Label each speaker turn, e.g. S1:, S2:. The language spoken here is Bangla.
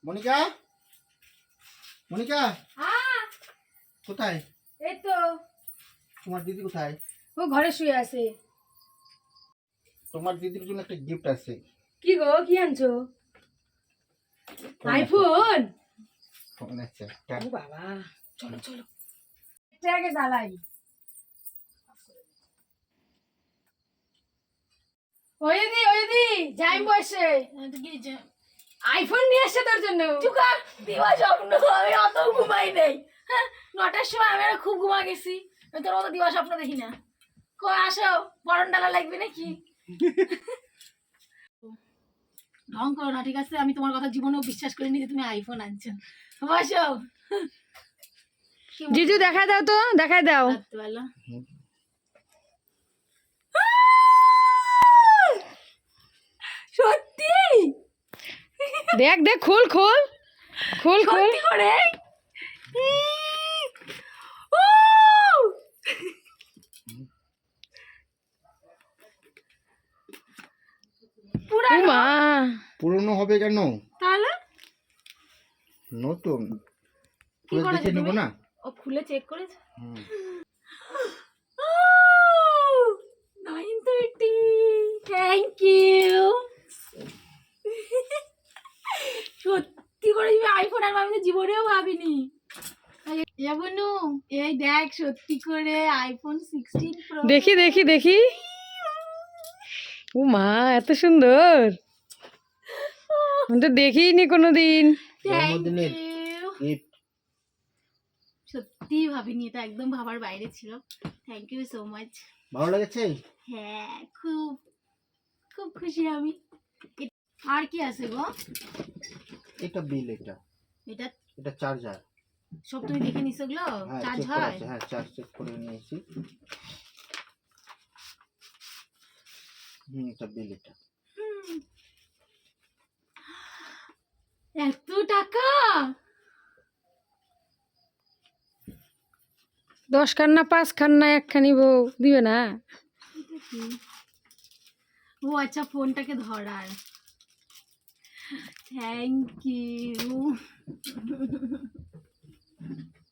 S1: মনিকা, মনিকা
S2: হ্যাঁ
S1: কোথায়?
S2: এই তো
S1: তোমার দিদি কোথায়?
S2: ও ঘরে শুয়ে আছে।
S1: তোমার দিদির জন্য একটা গিফট আছে।
S2: কি গো, কি আনছো?
S1: ফোন আছে।
S2: আইফোন?
S1: ফোন আছে একটা।
S2: ও বাবা, চলো চলো এটা আগে জ্বালাই। ওই দি যাই বসে আইফোন নিয়ে আসছে তোর জন্য।
S3: চুকার দিবা স্বপ্ন, আমি অত ঘুমাই নেই। হ্যাঁ, 9টার সময় আমি খুব ঘুমা গেছি। আমি তোর মতো দিবা স্বপ্ন দেখি না। কই আসো, বরণ ডালা লাগবে নাকি? ঢং করো না, ঠিক আছে? আমি তোমার কথা জীবনেও বিশ্বাস করিনি যে তুমি আইফোন আনছো। বসো।
S2: জিজু দেখাই দাও তো, দেখাই দাও।
S3: বলো। সত্যি
S2: দেখ দেখ, খুল খুল খুল খুল।
S3: সত্যি করে ও! পুরানো?
S2: মা
S1: পুরনো হবে কেন?
S3: তাহলে
S1: নতুন।
S3: কি
S1: খুলে
S3: করেছো
S1: দেখে নেবো
S3: তুমি?
S1: না?
S3: ও খুলে চেক করেছে।
S1: হুম।
S3: 930, থ্যাংক ইউ। সত্যি করে তুমি আইফোন আর আমি তো জীবনেও ভাবিনি। বনু এই দেখ, সত্যি করে আইফোন 16 প্রো।
S2: দেখি দেখি দেখি। ও মা, এত সুন্দর! আমি তো দেখিনি কোনোদিন।
S1: জন্মদিনের গিফট।
S3: সত্যি ভাবিনি, এটা একদম ভাবার বাইরে ছিল। Thank you so much.
S1: ভালো লেগেছে?
S3: হ্যাঁ, খুব খুব খুশি আমি। আর কি আছে গো?
S1: এটা বিল, এটা
S3: এটা
S1: এটা চার্জার।
S3: সব তুমি দেখে নিছো গুলো?
S1: হ্যাঁ
S3: চার্জ
S1: চেক করা
S3: হয়?
S1: আছে, হ্যাঁ চার্জ চেক করে নিয়েছি। এটা বিল, এটা।
S3: এত টাকা?
S2: 10 খান্না 5 খান্না একখানি বউ দিবে না?
S3: এটা কি? ও আচ্ছা, ফোনটাকে ধরার। Thank you.